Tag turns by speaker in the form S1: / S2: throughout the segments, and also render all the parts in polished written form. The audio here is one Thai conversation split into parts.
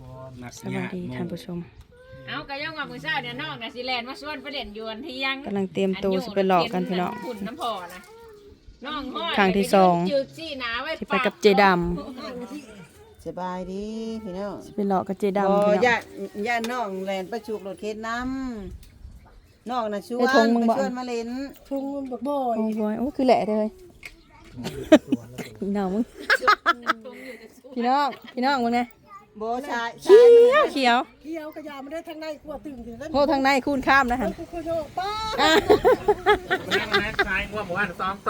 S1: สวัสดีท่านผู้ชม
S2: เอากระย่องว่ามื้อเช้าเนี่ยน้องน่ะสิแล่นมาชวนไปเล่นยวนเที่ยง
S1: กำลังเตรียมตัวสิไปหลอกกันพี่น้อง
S2: ขุนน้ำพอนะน้องฮอด
S1: ครั้งที่สอง
S2: จึกซี่หนาไว้
S1: สิไปกับเจด
S3: สบายดีพี่น้อง
S1: ำสิไปหลอกกับเจดำ
S3: บ่
S1: พี่น้อง
S3: ย่าน้องแลนประชุกรถเข็นน้ำน้องน่ะชวน
S1: ไอ้ธงมึง
S3: ไป
S1: บ่
S3: ชวนมาเล่น
S4: ทุ่งมันบ่บ่อย
S1: โอ้ยโอ้คือแหละเลยพี่น้องมึงพี่น้องมึงไง
S3: บ่ชาย
S1: เขียวเขียว
S4: เกี่ยวกระยามันได้ทางในกลัวตึงถึงนั้น
S1: โหทางในคูณข้ามนะฮะ
S4: กูคุยโยป้า
S5: นั่งนะชายว่าหมู่บ้านซ้อมโต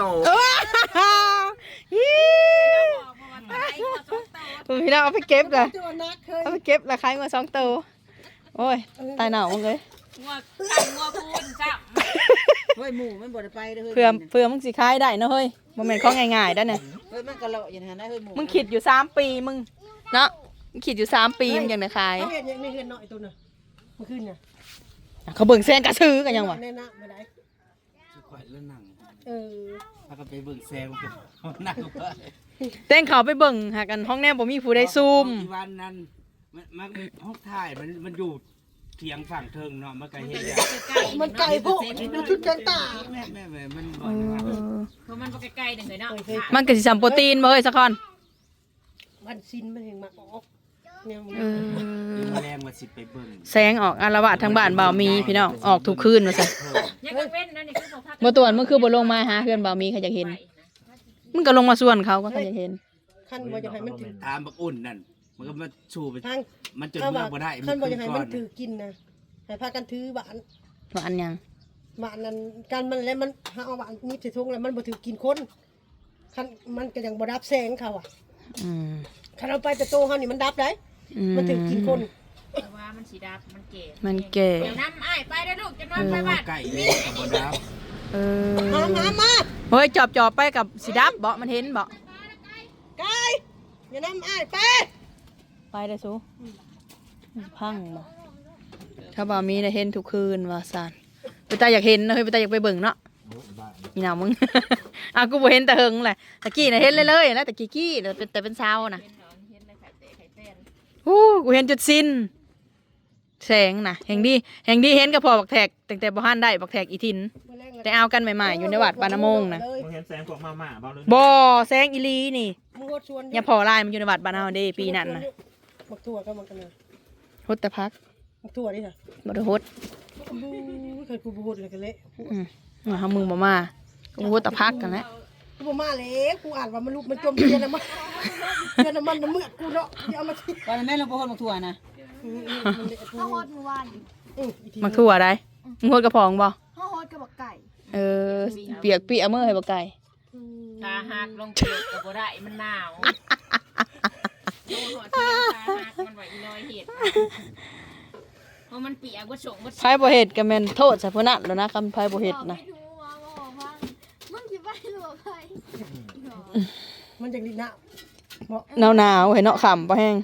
S1: พี่น้องเอาไปเก็บเลย
S4: ตัวนักเคย
S1: เอาไปเก็บราคาเงิน2 ตัวโอ้ยตายหนาวมึงเลย
S2: งัวตั้งงัวพูนจ้ะ
S3: เฮ้ยหมู่มันบ่ได้ไปเด้อเฮ้ย
S1: เพื่อมึงสิขายได้เนาะเฮ้ยบ่แม่นของง่ายๆได้เนี่ย
S3: เฮ้ยมันก็เลาะอยู่นะเฮ้ยหมู่
S1: มึงคิดอยู่3 ปีมึงเนาะมึงคิดอยู่3 ปีมึงยังได้ขาย
S4: เขาเห็นยังไม่เห็นหน่อยตัวน่ะเมื่อคืนเนี่ย
S1: เขาเบิ่งแซงกระซื้อกันยังวะ
S4: แน่นะไม่ได้
S3: ข่อยแล้วนั่ง
S4: เออ
S3: ถ้าก็ไปเบิ่งแซงมันก็นั่งไป
S1: เต้งเขาไปเบิ่งหากันห้องแนมบ่มีผู้ได้ซูม
S6: ที่วันนั้นมันห้องถ่ายมันอยู่เถียงฝั่งเทิงเนาะมันก็เห็นอย่าง
S4: มันไก่พวกมันชุดกันตา
S6: แม่มันบ่อยว่า
S2: เพราะมันบ่ใกล้ๆนึงเลยเนาะ
S1: มันก็สิสัมโปรตีนบ่เฮ้ยสักคน
S4: มันซินมันเห็นมาออกเนี่ยมึง
S6: มีแรงว่าสิไปเบิ่ง
S1: แสงออกอาละวาดทางบ้านบ่าวมีพี่น้องออกทุกคืนว่าซั่น
S2: ยังก็เว้นนะนี่คือบ่พัก
S1: บ่ตวนมึงคือบ่ลงมาหาเพื่อนบ่าวมีเขาอยากเห็นมึงก็ลงมาส่วนเขาก็เขาอยากเห็น
S4: ขั้นบ่จะให้มันถือ
S6: ตามบักอุ่นนั่นมันก็มาชูไป
S4: ทาง
S6: มันจน
S4: เข้า
S6: เมื่
S4: มา
S6: อบ่ได้
S4: ขั้นบ่จะให้มัน
S6: ขึ้
S4: ถือกินนะให้พากันถือบ้าน
S1: ว่าอันยัง
S4: บ้านนั้นการมันแล้วมันหาเอาบ้านนี้ใส่ถุงแล้วมันบ่ถือกินคนขั้นมันก็ยังบ่ดับแสงเขาอ่ะ
S1: อืม
S4: คันเอาไปแต่โตเฮานี่มันดับได้
S1: อืม
S4: มันถือกินคน
S2: แต่ว่ามันสีดำมันเก๋
S1: มันแก่
S2: เดี๋ยวน้ำอ้ายไปเด้อลูกจะนอนไปบ้าน
S6: ไก่เลยกับบ่ดับ
S1: เออ
S4: มา
S1: เฮ้ยจอบไปกับสิดับบ่มันเห็นบ่
S4: ไก่อย่านำอ้ายไป
S1: ไปได้สูพังบ่ถ้าบ่าวมีได้เห็นทุกคืนว่าซั่นไปตาอยากเห็นนะเฮ้ยไปตาอยากไปเบิ่งเนาะนี่น่ะมึง อ่ะกูบ่เห็นแต่เฮิงแหละตะกี้น่ะเห็นเลยแล้วตะกี้แต่เป็นเช้าน่ะ
S2: เป็นหนอนเห็นเลยไข่เตะไข่เต้น
S1: โอ้กูเห็นจุดสิ้นแสงน่ะแห่งดีเห็นกับพ่อบักแทกตั้งแต่บ่ฮั่นได้บักแทกอีทินแต่เอากันใหม่ๆอยู่ในวัดปานาโมงน่ะ
S5: มึงเห็นแสงพวกมาม่าเบาเลย
S1: บ่แสงอีหลีนี่
S4: มึงโคตรชวน
S1: อย่าพอลายมันอยู่ในวัดบ้านเฮาเด้ปีนั้นน่ะ
S4: บักถั่วก็มันกันเลย
S1: ฮดแต่พัก
S4: บักถั่วนี่ค่ะ
S1: บ่ได้ฮด
S4: บูเคยกูบูดเลยกันเละ
S1: เฮามึงบ่มากูฮดแต่พักกันแหละ
S4: กูบ่มาเลยกูอ่านว่ามันลุกมันจมเย็นน้ำมันเย็นน้ำมันน้ำเมือกกูเนาะอย่าเอามาทิ้ง
S3: ตอนนั้นแม่เราบ่คนมาทั่วนะ
S7: ข้าวโฮดเมื่อวาน
S1: มักทั่วได้มึงฮดกระพองบ่
S7: ข้าวโฮดกับบักไก่
S1: เออเปียกเปียมื้อให้บ่ไก่
S2: ตาหักลงเปียกก็บ่ได้มันหนาวโอ้โหที่ตาหักมันไหวอีลอยเห็ดเพราะมันเปียกบ่ส่งบ่
S1: ไผบ่เฮ็ดก็แม่นโทษซะพุ่นน่ะแล้วนะคำไผบ่เฮ็ดนะ
S7: ไม่รู้ว่าบอกว่ามึงคิดว่าหรือว่าไป
S4: มันจะดีนะ
S1: หนาวๆให้เนาะค่ำบ่แห้ง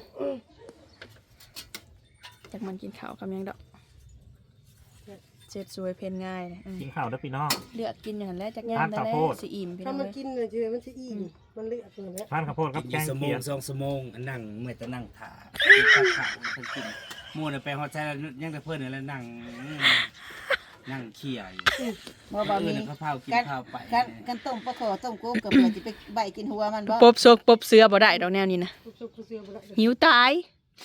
S1: จักมันกินข้าวกับหยังดอกเจ็ดสวยเพนง่ายนะ
S5: กินข้าวด้วยพี่น้อง
S1: เลือกกินอย่างนั้นแหละจักยาม
S5: ทาน
S1: ได้
S5: ข้าว
S1: แล้
S5: โพ
S1: ว
S5: ด
S1: สิอิ่มพี่น้
S4: ถ้า
S1: อง
S4: มัน
S1: เอ้ย
S4: กินเลยมันจะอิ่มมันเลือดตัวนี้
S5: ทานข้าวโพดครับแกง
S6: สม
S5: เขี
S6: ง
S5: ยด
S6: 2 ชั่วโมงนั่งเมื่อแต่นั่งถ่าข้าวเพิ่นกินหมู่น่ะไปฮอดใจแล้วยังแต่เพิ่นนี่แหละนั่งเขี่ยอยู่
S3: บ่มี
S6: ข้าวเผากินข้าวไป
S3: กันต้มปลาขอต้มกบกับเพื่อสิไปใบกินหัวมันบ่
S1: ปบซกปบเสือบ่ได้ดอกแนวนี้นะ
S4: กูเสียไปแล้ว
S1: หิวตาย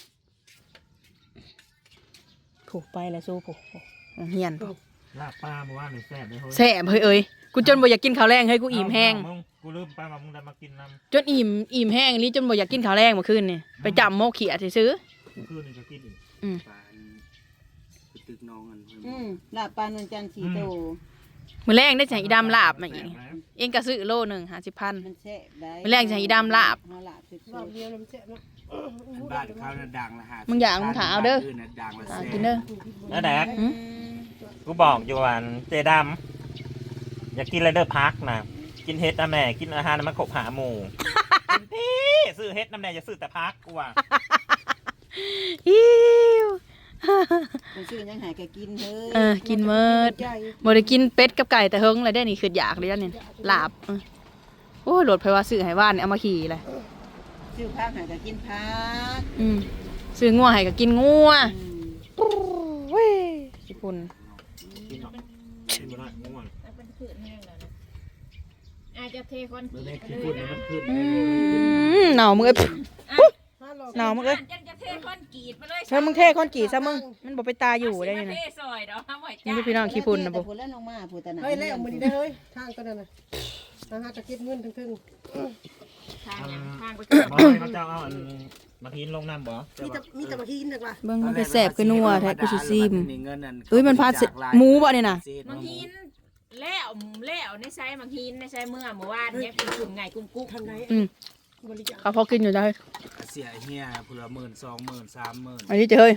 S1: ผูกไปแล้วสู้ผูกเฮียนผูก
S5: ลาบปลาเมื่อวานนี่แซ่บเลยเฮ้ย
S1: แซ่บเฮ้ยเอ้ยกูจนบ่อยากกินข้าวแรงเฮ้ยกูอิ่มแห้ง
S5: มึกูลืมไปว่ามึงได้มากินน้
S1: จนอิ่มแห้งนี่จนบ่อยากกินข้าวแรงเมื่อคืนนี่ไปจำโมกเขียดซื้อ
S5: ำคืนนี่ก็กินอีก
S6: ปานตึกน้องอัน
S3: ลาบปลานวลจันทร์4โต
S1: มื้อแรงได้จากอีดำลาบมาอีกเองก็ซื้อโลนึง50,000
S3: มันแซ่บได้
S1: มื้อแรกจะให้อีดำลาบ
S3: เฮาลาบสุด
S4: รอบเดียวมันเจ็บนะ
S6: บ้านเขาน่ะดังละ50
S1: มึงอยากมึงถามเอาเด้อ
S6: บ้นน่ะดังละแสน
S1: กินเด้อ
S5: แล้วแดก
S1: หืม
S5: กูบอกอยู่วันเจดำอยากกินอะไรเด้อพักนะกินเฮ็ดนะแม่กินอาหารมันขบหาหมูพี่ซื้อเฮ็ดน้ำแน่อย่าซื้อแต่พักกูว่ะ
S1: อิ้ว
S3: มันชื่อยังหายแกกินเฮ้ย
S1: กินเมิดบ่ได้กินเป็ดกับไก่แต่เฮิงเลยได้นี่คืออยากเลยอันนี่ลาบโอ้ยโหลดไผว่าซื้อให้ว่านเอามาขี่เลย
S3: ชื่อพักหายแกกินพัก
S1: ซื้องัวให้ก็กินงัวเว้ยญี่ปุ่น
S5: กินเนาะกินบ่ได้ง่วง
S2: มันเป็นขืนแห้งแล้วนะอาจจะเทคอนก
S6: เมื่อ
S2: รี
S6: แม่
S2: ต
S6: กิน
S2: เล
S6: พูด
S2: ย
S6: แล้ว
S2: นะ
S6: มันขึ้น
S1: หนาวมึงเอ้ย
S4: ถ้าเรา
S1: หนาวมึงเอ้ย
S2: จะเทคอนกรีตมาเลย
S1: เธอมึงเทคอนกรีตซะมึงมันบ่ไปตายอยู่ได้ยังไง
S2: เทซอยเดี๋ยวทำไว้
S1: นี่
S2: จ้า
S1: ดูพี่น้องขี้ปุ่นนะ
S3: แต่
S1: บ่
S3: พูดแล้วน้องมาพูดแต่ไหน
S4: เฮ้ยแล้วมื้อนี้ได้เฮ้ยทางก็นั่นน่ะทางหาจะเก็บเงินทั้ง
S2: ทางยังทางไป
S5: บ่ให้เขาเจ้าเอาอันมาทิ้งลงน้ำบ่
S4: ๆมีแต่มาหินนึกว่า
S1: เบิ่งมันไปแสบคือนัวแท้กูสิซิม
S6: เงินนั่น
S1: เอ้ยมันพาเสร็จหมูบ่เนี่ยน่ะ
S2: บางหินแล้วในไซบางหินในไซเมื่อวานเนี่ยเป็นกลุ่มไงกลุ่มกุ๊ก
S4: ทางไหน
S1: อืม
S4: บริจาค
S1: เขาพอกินอยู่ได้
S6: เสียเฮียพละ10,000 20,000 30,000
S1: อันนี้เจอเฮ้ย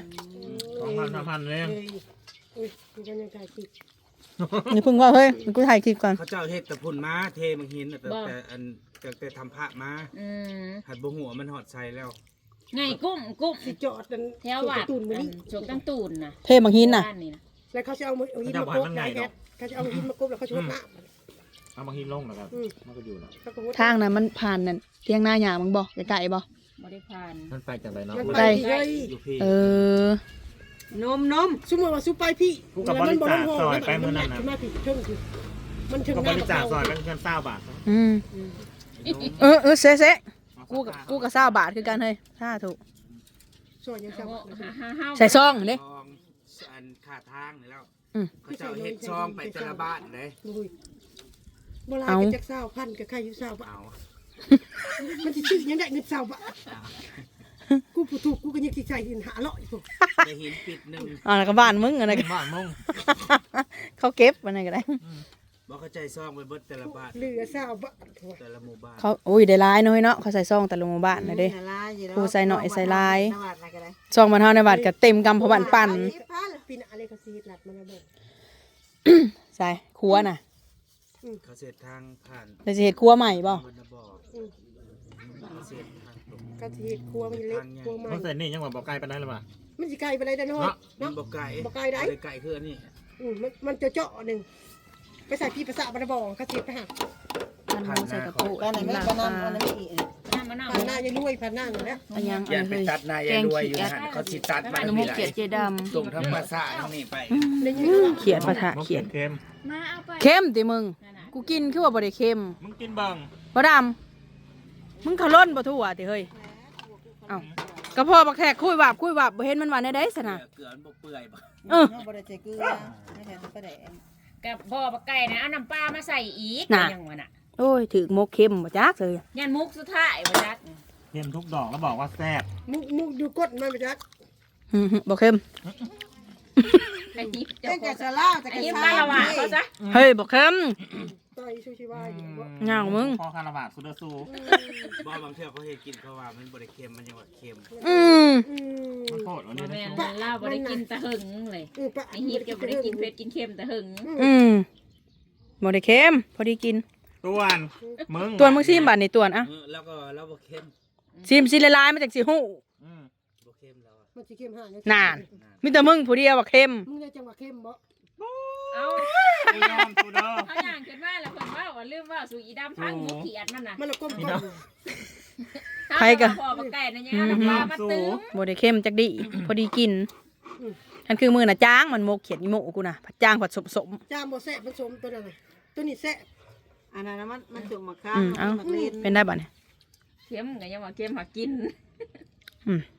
S5: 2,000 3,000เลย
S4: อุ้ยกูก็ยังถ่ายคลิป
S1: นี่เพิ่งว่าเฮ้ยกูถ่ายคลิปก่อน
S6: เขาเจ้าเฮ็ดแต่พุ่นมาเทมังหินน่ะแต่อันแต่ทำพระมา หัดบ่หัวมันหอดใส่แล้ว
S2: ไงกุ้ม
S4: สิจอดกัน
S2: แถววัด
S4: ตูนมื้อนี้
S2: ชกตั้งตูนนะ
S1: เทบางหินน่ะ
S2: บ้านนี่นะ
S4: แล้วเขาจะเอาหินมากบได้แอดเขาจะเอาหินมากบแล้วเขาจะหดน้ำ
S5: เอามาทิ้งลงนะครับมันก็อยู่เนาะ
S4: เขาก็หด
S1: ทางนั้นมันผ่านนั่นเที่ยงหน้าหยามึงบ่ไกลๆบ่
S2: บ่ได้ผ่าน
S5: มันไปจากไหนเนาะ
S4: มัน
S1: ไป
S4: ไปเลย
S6: อยู่พี่
S1: เออ
S3: นม
S4: สมมติว่าซุปไปพี่
S5: กูกับบริจาคซอยไปมื้อนั้น
S4: มั
S5: นะ
S4: มาผิดเทิงคือมันถึง
S5: ก็
S4: ห
S5: บ
S4: น้า
S5: ริจาคซอยเป็นเงิน20 บาท
S1: อืมเซะกูกับ20 บาทคือกันเฮ้ยถ้าถูก
S4: ซอยยัง
S2: เอา
S4: ซ้ำ
S2: ห้า
S1: ใส่ซองเด้
S6: ซองอันค่าทางนี่แล้ว
S1: อืม
S6: เขาเจ้าเฮ็ดซองไปแต่ละบ้านเลย
S4: อุ้ยโบราณก็จัก20,000กับใครอยู่20บาท
S6: เอา
S4: มันสิชื่อยังได้เงิน20บาทกูผู้ถูกกูก็ยังสิใส่หิน500พวก
S6: ได้หินปิดหนึง
S1: อ่าแล้วก็บ้านมึงอะไรกัน
S5: บ้านมึง
S1: เขาเก็บมันอะไรก็ได้
S6: บ่เข้าใจซองไปเบิดแต่ละบ้าน
S4: เหลือ20บาท
S6: แต่ละหมู่บ้าน
S1: เขาโอ้ยได้หลายน้อยเนาะเขาใส่ซองแต่ละหมู่บ้านนะเด้ กูใส่หน่อยใส่ลาย ซองมันเท่าในบัตรก็เต็มกำพอบันปั่น
S4: ปีหน้าเลยเขาสิหลัดมันระเบิด
S1: ใส่ครัวน่ะ
S6: เขาเสร็จทางผ่าน
S1: เราจะเห็ดครัวใหม่บ่
S6: บรรณบ่อเขาเสร็จทางตรง
S4: ก็สิเฮ็ดครัวมันเล็กครัวใหม่
S5: มันเสร็จนี่ยังว่าบ่ไกลปานนั้นหรือเปล่า
S4: มันสิไกลไปได้น้อย
S6: มั
S4: เนาะ
S6: นบ่ไก่
S4: บ่ไกลได้
S6: ไก่คืออันนี้
S4: มันจะเจาะหนึ่งไปใส่พี่ภาษาบรรบองเขาเสียไปหา
S1: มันหมูใส่กระปุก
S3: ก็ไหนไม่ก็นำก็ไหนไม่อีก
S2: น้ำมะนาว
S4: ผ่านหน้ายังรวยผ่านหน้าอยู่แล้ว
S1: อันยัง
S6: อย่าไป
S1: เฮ้ย
S6: ตัดนายยายรวยอยู่หันเขาสิตัดมา
S1: น้ำมูกเขียดเจด
S6: ส่งทั้งภาษาทั้งนี้ไป
S4: ได้ยิน
S1: ำเขียดปะทะเขียด
S5: เค็ม
S2: มาเอาไป
S1: เข้มติมึง กูกินคือว่าบ่ได้เค็ม
S5: มึงกินเบิ่ง
S1: บ่ดำมึงขล้นบ่ทั่วติเฮ้ยเอ้ากระเพาะบักแขกคุยวับบ่เห็นมันว่าในใดซะนะ
S6: เกลือมันบ่เปื่อยบ่
S1: เออ
S3: บ่ได้ใส่เกลือไม่ใช่กระแดง
S2: กับบ่อปลาไก่นะเอาน้ำปลามาใส่อีก
S1: น่ะ
S2: ยังวะน่ะ
S1: โอ้ยถึกมกเค็มบ่จักเลย
S2: ยันมุกสุดท้ายบ่จัก
S5: เค็มทุกดอกแล้วบอกว่าแซ่บ
S4: มุกดูกดมันไปจัก
S1: บ่เค็ม
S2: ไอ้ยิบ
S3: เจ้าก็จะล่าจะ
S2: ไอ้
S3: กระ
S2: ยิบ
S3: ชา
S2: บ้านละวะเขาซะ
S1: เฮ้ยบ่เค็ม
S4: ต่อยชูชีวายอยู่บ่
S1: เหงามึง
S5: พอคาราบาซูเดอร์ซู
S6: บ่บางเทื่อเขาเฮ็ดกินเขาว่ามันบ่ได้เค็มมันยังว่าเค็ม
S1: อืม
S5: มันโคตรวัน
S2: บ่
S5: นี้
S2: แม่
S5: นะ
S2: นมันเล่าบ่ได้กินตะหึงเลย
S4: ปะ
S2: ไอ้ยิบจะบ่ได้กินเผ็ดกินเค็มตะหึง
S1: อืมบ่ได้เค็มพอดีกิน
S5: ตัวนมึง
S1: ตวนมึงซิมบัดนี่ตวนอ่ะ
S6: แล้วก็แล้วบ่เค็ม
S1: ซิมสิละลายมาจากสิฮู้
S5: อืม
S6: บ่เค็มแล้วอะ
S4: มันสิเข้มห่าง
S1: นาน มีแต่มึงผู้เดียวว่าเค็ม
S4: มึงได้จังหวะเข้มบ่
S2: เอา
S5: กูยอมกูเด้อ
S2: เขาย่างขึ้นมาแล้วเพิ่นว่าลืมว่าสู่อีดำพังมุกเขียดมันน่ะ
S4: มันละก้ม
S1: ใครกะ
S2: พ่อปลาไก่นะยังเอาน้ำปลามาตึ้ง
S1: บ่ได้เค็มจักดิพอดีกินอันคือมือน่ะจ้างมันโมกเขียดอีโมกูน่ะผัดจ้างผัดสม
S4: จามบ่แซ่บมันสมตัวนั้นน่ะตัวนี้แซ่บ
S3: อันนั้นมันจุ่มมะขา
S1: ๆเอ้าเป็นได้บ่เนี่ย
S2: เค็มก็ยังว่าเค็มหากิน
S1: อืม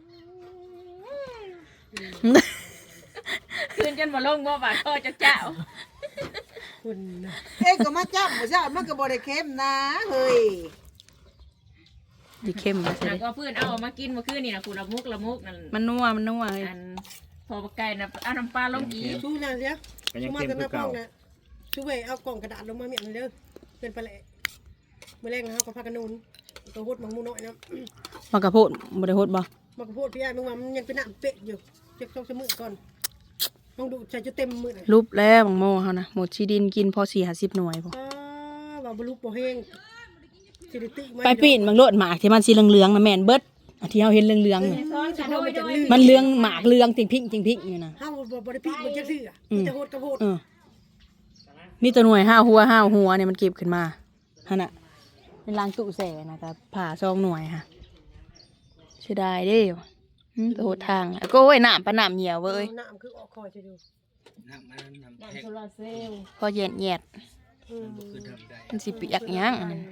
S2: คืนจนบ่ลงบ่บาดคอเจ้าเจ้า
S4: คุณนะ
S3: เอ้ก็มาจับบ่จับมันก็บ่ได้เค็มนะเฮ้ย
S1: ดีเค็มนะสิ
S2: หากว่าเพื่อนเอามากินเมื่อคืนนี่นะคุณละมุกนั่น
S1: มันนัวเฮ้ย
S2: อันพอปลาไก่นะเอาน้ำปลาลงอีก
S4: ชูนั่นเสีย
S5: ก็ยั
S4: ชู
S5: ง
S4: มา
S5: เค็ม
S4: แต่ห
S5: คื
S4: น้า
S5: อ
S4: ป้อ
S5: เก่าง
S4: น่ะชูเว้ยเอากล่องกระดาษลงมาเมียนเด้อเป็นปลาแหละมื้อแรกนะเฮาก็พากันนูนตัวหดมังมูน้อยนะ
S1: มากระโพดบ่ได้โพดบ่
S4: มันก็โพดพี่อ้ายมึงว่ามันยังเป็นน้ำเป๊ะอยู่เจ็บต้องสมือก่อนลองดูใส่จะเต็มมือน่ะ
S1: รูปแล้วบังโมเฮานะหมดชีดินกินพอ4-50หน่วยพอ
S4: ว่าบรรลุบ่แห้งสิริติ
S1: ไปปีนบางโลดหมากที่มันสีเหลืองๆนะแม่นเบิดอันที่เฮาเห็นเหลืองๆนี่
S2: ซ้อนกันโดย
S1: มันเหลืองหมากเหลืองจริงพิงอยู่นะ
S4: เฮาบ่ได้ปีมันจักซื่อมีแต่โหดกับโหด
S1: เออมีตัวหน่วยห้าหัวเนี่ยมันเก็บขึ้นมาฮะน่ะเป็นล้างตู้แส่นะครับผ่าซองหน่วยค่ะเสียดายเด้ไปโหดทางก็โอ้ยน้ำปะน้ำเหี่ยวเว้ย
S4: น้ำคือออกคอยจะดู
S6: น้ำมันน้ำ
S2: น้ำ
S6: แพ็ค
S2: โซลาร์เซลล์
S1: พอแยด
S6: มันคือทำได้
S1: มันสิเปียกหยังอันนั้น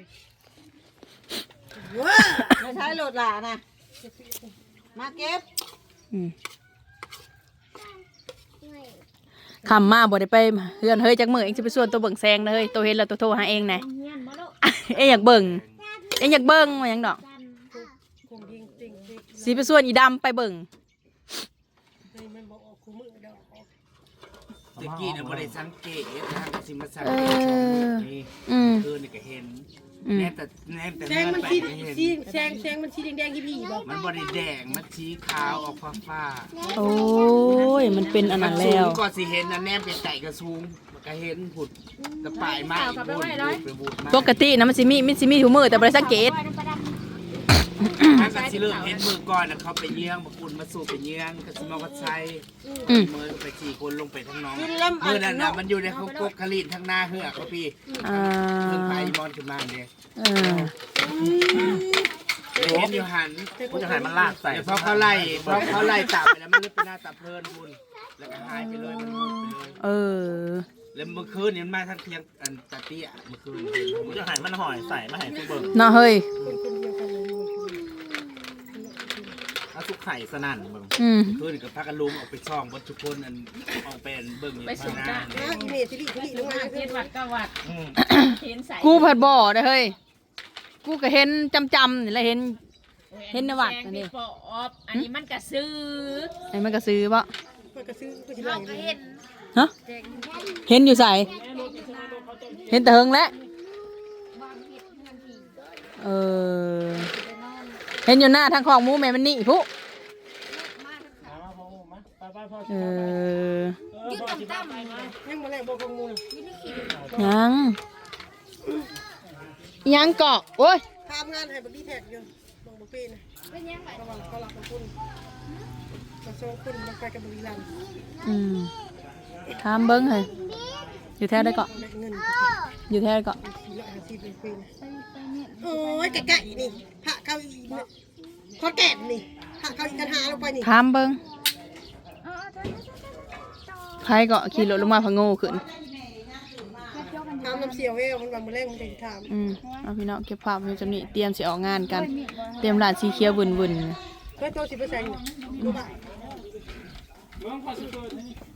S4: ว้า
S3: ไม่ใช้โหลดหลานะมาเก็บ
S1: อืมคำมาบ่ได้ไปเฮือนเฮ้ยจักมื้อเองสิไปส่วนตัวเบิ่งแซงเด้อเฮ้ยตัวเห็นแล้วตัวโทรหาเองนะ
S7: เฮียนบ่ลูก
S1: เองอยากเบิ่งเองอยากเบิ่งว่าหยังดอก
S4: คงยิงติ่งติ่ง
S1: สิไปส่วนอีดำไปเบิ่ง
S4: นี่มันบอกออกคู่มือเดอกออก
S6: ตะกี้เนี่ยบ่ได้สังเกตทางกสิมาสัง
S1: เอ
S6: เกตช่อง
S1: อ
S6: นี้
S1: อืม
S6: คือนี่ก็เห็น
S1: อืม
S6: แน่แต่
S4: แซงมัน
S6: ไป
S4: สี
S6: ก็เห็น
S4: สีแซงมันสีแดงๆที่พี่บอก
S6: มันบ่ได้แดงมันสีขาวออกฟ้า
S1: โอ้ยมันเป็นอัน
S6: มั
S1: นั้น
S6: สู
S1: แล้
S6: ง
S1: ว
S6: ก็สิเห็นนะแนมไก่กระสูงมันก็เห็นผุดกระป่ายไม้บูดไปบูดมา
S1: ปกตินะมันสิมีถุงมือแต่บ่ได้สังเกต
S6: มันก็สิเริ่มเห็นมือก่อนนะเขาไปเยื้องมาปุ่นมาสู่ไปเยื้องก็สิมาวัดไซ
S1: อืม
S6: มือไป4คนลงไปทั้งน้อง
S3: กินแล้ว
S6: มือนั่นน่ะมันอยู่ในเขากกคลีนทั้งหน้าเหือกเขาพี่
S1: อ่า
S6: เพิ่งไปมอนขึ้นมาเด้
S1: เออ
S6: เห็นอยู่หัน
S5: กูจะให้มันลากใส่
S6: เดี๋ยวพอเขาไล่ตับไปแล้วมันเลยเป็นหน้าตาเพลินบุญแล้วก็หายไปเลยมันหมดไปเลย
S1: เออ
S6: แล้วเมื่อคืนนี่มันมาทั้งเพียงอันตาเตี้ยเมื่อคืน
S5: กูจะให้มันหอยใส่มาให้กูเบิ่ง
S1: เนาะเฮ้ย
S4: คนคนเดียวกันเลย
S5: เอาทุกไข่สนั่นเบิ่ง
S1: อืม
S6: คืนกับพากันลุมออกไปช่องบนทุกคนอันออกเป็นเบิ่งอยู่
S2: ไป
S6: ข้า
S2: สู
S6: ง
S2: ง
S6: หน้า
S2: จ้า
S4: นะอีเมจิลี่ลงมา
S2: เจ็ดวัด9วัด
S5: อืม
S2: เห็นใส่
S1: กูผัดบ่อเด้อเฮ้ย กูก็เห็นจำๆนี่แหละเห็น เห็นในวัดอันนี้
S2: แซงปอบอันนี้มันกระซื้อ
S1: ไอ้มันก็ซื้อบ่
S4: มันก็ซื้อก็สิ
S2: เรา
S4: ไล่
S2: ก็เห็น
S1: ฮะเห็นอยู่ใส่เห็นแต่เฮิงแล้ว
S7: วางเห็ดเงินผี
S1: เออ เห็นอยู่หน้าทางของหมูแม่มันนี่ผู้
S7: มาทั้งขา
S1: เออ
S7: ยืดต่ำๆเลย
S4: ยังมาแรงบอกของมูล
S7: ยืดขี้
S1: ยังยังเกาะโอ้ย
S4: ทำงานให้บักดีแท็กอยู่บอกบักปีนะ
S7: เป็นยังไง
S4: ระวังเขาหลับกับคุณมาส่งคุณมาไปกับบุรีรัมย์
S1: อืมถามเบิ้งเฮ้ยอยู่แท้ได้เกาะ
S4: ได้เงิน
S1: อยู่แท้ได้เกาะ
S4: 450เป็นปีนะ
S7: ไปเนี่ย
S4: โอ้ยไก่ๆนี่พระเข้าอีพอแก่นี่พระเข้าอีกันหาลงไปนี่
S1: ถามเบิ้ง
S7: อ๋อต่อ
S1: ใครเกาะขี่รถลงมาพะโง่ขึ้น
S4: ทำน้ำเสียวเวลมันวันมาแรงมันจะถาม
S1: อืมเอาพี่น้องเก็บภาพไว้จำนี้เตรียมสิออกงานกัน เตรียมร้านสีเขียววุ่นๆ
S4: เพื่อโต10%ดูบ้า